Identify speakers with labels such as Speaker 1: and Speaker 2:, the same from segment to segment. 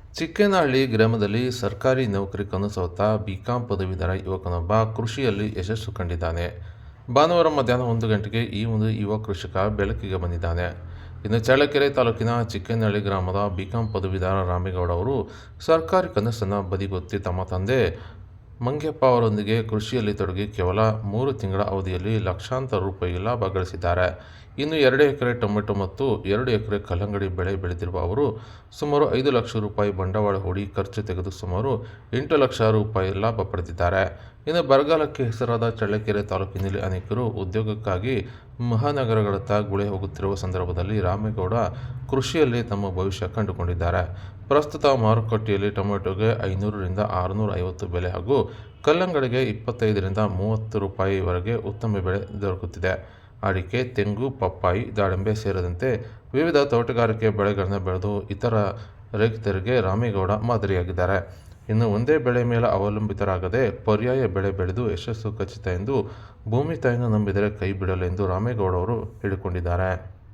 Speaker 1: ಚಿಕ್ಕೇನಹಳ್ಳಿ ಗ್ರಾಮದಲ್ಲಿ ಸರ್ಕಾರಿ ನೌಕರಿ ಕನಸು ಹೊತ್ತ ಬಿಕಾಂ ಪದವೀಧರ ಯುವಕನೊಬ್ಬ ಕೃಷಿಯಲ್ಲಿ ಯಶಸ್ಸು ಕಂಡಿದ್ದಾನೆ. ಭಾನುವಾರ ಮಧ್ಯಾಹ್ನ 1 ಗಂಟೆಗೆ ಈ ಒಂದು ಯುವ ಕೃಷಿಕ ಬೆಳಕಿಗೆ ಬಂದಿದ್ದಾನೆ. ಇನ್ನು ಚಳ್ಳಕೆರೆ ತಾಲೂಕಿನ ಚಿಕ್ಕೇನಹಳ್ಳಿ ಗ್ರಾಮದ ಬಿಕಾಂ ಪದವೀಧರ ರಾಮೇಗೌಡ ಅವರು ಸರ್ಕಾರಿ ಕನಸನ್ನು ಬದಿಗೊತ್ತಿ ತಮ್ಮ ತಂದೆ ಮಂಗ್ಯಪ್ಪ ಅವರೊಂದಿಗೆ ಕೃಷಿಯಲ್ಲಿ ತೊಡಗಿ ಕೇವಲ 3 ತಿಂಗಳ ಅವಧಿಯಲ್ಲಿ ಲಕ್ಷಾಂತರ ರೂಪಾಯಿ ಲಾಭ ಗಳಿಸಿದ್ದಾರೆ. ಇನ್ನು 2 ಎಕರೆ ಟೊಮೆಟೊ ಮತ್ತು 2 ಎಕರೆ ಕಲ್ಲಂಗಡಿ ಬೆಳೆ ಬೆಳೆದಿರುವ ಅವರು ಸುಮಾರು 5 ಲಕ್ಷ ರೂಪಾಯಿ ಬಂಡವಾಳ ಹೂಡಿ ಖರ್ಚು ತೆಗೆದು ಸುಮಾರು 8 ಲಕ್ಷ ರೂಪಾಯಿ ಲಾಭ ಪಡೆದಿದ್ದಾರೆ. ಇನ್ನು ಬರಗಾಲಕ್ಕೆ ಹೆಸರಾದ ಚಳ್ಳಕೆರೆ ತಾಲೂಕಿನಲ್ಲಿ ಅನೇಕರು ಉದ್ಯೋಗಕ್ಕಾಗಿ ಮಹಾನಗರಗಳತ್ತ ಗುಳೆ ಹೋಗುತ್ತಿರುವ ಸಂದರ್ಭದಲ್ಲಿ ರಾಮೇಗೌಡ ಕೃಷಿಯಲ್ಲಿ ತಮ್ಮ ಭವಿಷ್ಯ ಕಂಡುಕೊಂಡಿದ್ದಾರೆ. ಪ್ರಸ್ತುತ ಮಾರುಕಟ್ಟೆಯಲ್ಲಿ ಟೊಮೆಟೊಗೆ 500 ರಿಂದ 650 ಬೆಲೆ ಹಾಗೂ ಕಲ್ಲಂಗಡಿಗೆ 25 ರಿಂದ 30 ರೂಪಾಯಿವರೆಗೆ ಉತ್ತಮ ಬೆಲೆ ದೊರಕುತ್ತಿದೆ. ಅಡಿಕೆ, ತೆಂಗು, ಪಪ್ಪಾಯಿ, ದಾಳಿಂಬೆ ಸೇರಿದಂತೆ ವಿವಿಧ ತೋಟಗಾರಿಕೆ ಬೆಳೆಗಳನ್ನು ಬೆಳೆದು ಇತರ ರೈತರಿಗೆ ರಾಮೇಗೌಡ ಮಾದರಿಯಾಗಿದ್ದಾರೆ. ಇನ್ನು ಒಂದೇ ಬೆಳೆ ಮೇಲೆ ಅವಲಂಬಿತರಾಗದೆ ಪರ್ಯಾಯ ಬೆಳೆ ಬೆಳೆದು ಯಶಸ್ಸು ಖಚಿತ ಎಂದು ಭೂಮಿ ತಾಯಿಯನ್ನು ನಂಬಿದರೆ ಕೈ ಬಿಡಲು ಎಂದು ರಾಮೇಗೌಡ ಅವರು ಹೇಳಿಕೊಂಡಿದ್ದಾರೆ.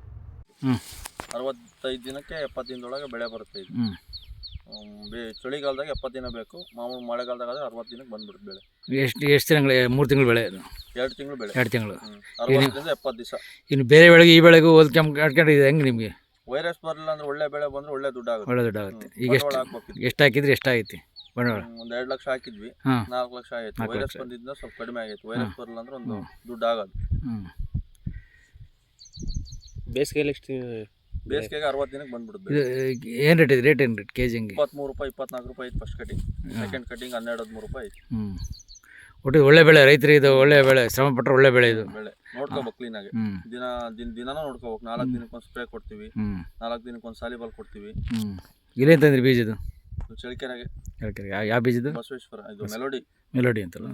Speaker 2: 65 ದಿನಕ್ಕೆ 70 ದಿನದೊಳಗೆ ಬೆಳೆ ಬರುತ್ತೆ. ಇದು ಚಳಿಗಾಲದಾಗ 70 ದಿನ ಬೇಕು, ಮಾಮೂಲು ಮಳೆಗಾಲದಾಗ 60 ದಿನಕ್ಕೆ ಬಂದ್ಬಿಡುತ್ತೆ ಬೆಳೆ.
Speaker 3: ಎಷ್ಟು ತಿಂಗಳು? 3 ತಿಂಗಳು ಬೆಳೆ ಅದು?
Speaker 2: 2 ತಿಂಗಳು ಬೆಳೆ.
Speaker 3: 2 ತಿಂಗಳು.
Speaker 2: 60 70 ದಿವಸ.
Speaker 3: ಇನ್ನು ಬೇರೆ ಬೆಳೆಗೆ ಈ ಬೆಳೆಗೂ ಹೋಲ್ಕೊಂಡಿದೆ ಹೆಂಗೆ ನಿಮಗೆ?
Speaker 2: ವೈರಸ್ ಬರಲಿಲ್ಲ ಅಂದ್ರೆ ಒಳ್ಳೆ ಬೆಳೆ ಬಂದ್ರೆ ಒಳ್ಳೆ ದುಡ್ಡು ಆಗುತ್ತೆ.
Speaker 3: ಒಳ್ಳೆ ದುಡ್ಡು ಆಗುತ್ತೆ. ಈಗ ಎಷ್ಟು ಹಾಕಿದ್ರಿ? ಎಷ್ಟಾಗೈತಿ ಬಂಡವಾಳ?
Speaker 2: ಒಂದು 2 ಲಕ್ಷ ಹಾಕಿದ್ವಿ, 4 ಲಕ್ಷ ಆಯ್ತು. ವೈರಸ್ ಬಂದಿದ್ದ ಸ್ವಲ್ಪ ಕಡಿಮೆ ಆಗೈತೆ. ವೈರಸ್ ಬರಲಿಲ್ಲ ಅಂದ್ರೆ ಒಂದು ದುಡ್ಡು ಆಗೋದು.
Speaker 4: ಬೇಸಿಗೆಯಲ್ಲಿ
Speaker 2: ಬೇಸಿಗೆಗೆ 60 ದಿನಕ್ಕೆ ಬಂದ್ಬಿಡುತ್ತೆ.
Speaker 3: ಏನು ರೇಟ್ ಇದೆ? ರೇಟ್ ಏನು ರೇಟ್ ಕೆ ಜಿಂಗೆ?
Speaker 2: 23 ರೂಪಾಯಿ 24 ರೂಪಾಯಿ ಐತೆ ಫಸ್ಟ್ ಕಟಿಂಗ್. ಸೆಕೆಂಡ್ ಕಟಿಂಗ್ 12-13 ರೂಪಾಯಿ ಐತೆ.
Speaker 3: ಒಟ್ಟು ಒಳ್ಳೆ ಬೆಳೆ, ರೈತರಿಗೆ ಇದು ಒಳ್ಳೆ ಬೆಳೆ, ಶ್ರಮ ಪಟ್ಟರೆ ಒಳ್ಳೆ ಬೆಳೆ ಇದು.
Speaker 2: ಬೆಳೆ ನೋಡ್ಕೋಬೇಕು ಕ್ಲೀನಾಗಿ. ದಿನಾನೂ ನೋಡ್ಕೋಬೇಕು. 4 ದಿನಕ್ಕೊಂದು ಸ್ಪ್ರೇ ಕೊಡ್ತೀವಿ, 4 ದಿನಕ್ಕೊಂದು ಸಾಲಿಬಾಲ್ ಕೊಡ್ತೀವಿ.
Speaker 3: ಇಲ್ಲೇ ತಂದ್ರಿ ಬೀಜ ಇದು?
Speaker 2: ಚಳಿಕೆರೆಗೆ.
Speaker 3: ಯಾವ ಬೀಜದ?
Speaker 2: ಬಸವೇಶ್ವರ. ಇದು ಮೆಲೋಡಿ.
Speaker 3: ಮೆಲೋಡಿ ಅಂತಲ್ಲ?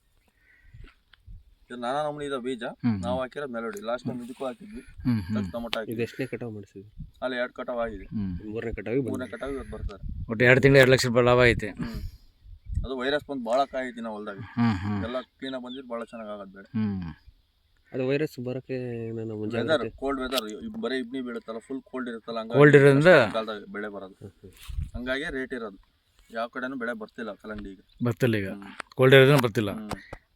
Speaker 2: ಇದು ನಾನಾ ನಮೂನಿ ಇದೆ ಬೀಜ. ನಾವು ಹಾಕಿರೋದು ಮೆಲೋಡಿ. ಲಾಸ್ಟ್ ಟೈಮ್ ಇದಕ್ಕೂ ಹಾಕಿದ್ವಿ, ಟೊಮೊಟೊ ಹಾಕಿದ್ವಿ.
Speaker 4: ಎಷ್ಟನೇ ಕಟಾವು ಮಾಡಿಸಿದ್ವಿ?
Speaker 2: ಅಲ್ಲಿ 2 ಕಟಾವು ಆಗಿದೆ.
Speaker 4: 3ನೇ ಕಟಾವಿಗೆ
Speaker 2: ಇವತ್ತು ಬರ್ತಾರೆ.
Speaker 3: ಒಟ್ಟು 2 ತಿಂಗಳು 2 ಲಕ್ಷ ರೂಪಾಯಿ ಲಾಭ ಐತೆ.
Speaker 2: ಅದು ವೈರಸ್ ಬಂದು ಭಾಳ ಕಾಯಿತಿ ನಾವು ಹೊಲ್ದಾಗ. ಎಲ್ಲ ಕ್ಲೀನಾಗಿ ಬಂದಿದ್ದು ಭಾಳ ಚೆನ್ನಾಗಿ ಆಗೋದು ಬೆಳೆ.
Speaker 4: ಅದು ವೈರಸ್ ಬರೋಕ್ಕೆ
Speaker 2: ವೆದರ್, ಕೋಲ್ಡ್ ವೆದರ್. ಬರೀ ಇಬ್ನಿ ಬೀಳುತ್ತಲ್ಲ, ಫುಲ್ ಕೋಲ್ಡ್ ಇರುತ್ತಲ್ಲ,
Speaker 3: ಕೋಲ್ಡ್ ಇರೋದ್ರಿಂದ
Speaker 2: ಕಾಲದಾಗ ಬೆಳೆ ಬರೋದು. ಹಂಗಾಗಿ ರೇಟ್ ಇರೋದು. ಯಾವ ಕಡೆನೂ ಬೆಳೆ ಬರ್ತಿಲ್ಲ ಕಲ್ಲಂಗಡಿ ಈಗ.
Speaker 3: ಬರ್ತಿಲ್ಲ. ಈಗ ಕೋಲ್ಡ್ ಇರೋದ್ರಿಂದ ಬರ್ತಿಲ್ಲ.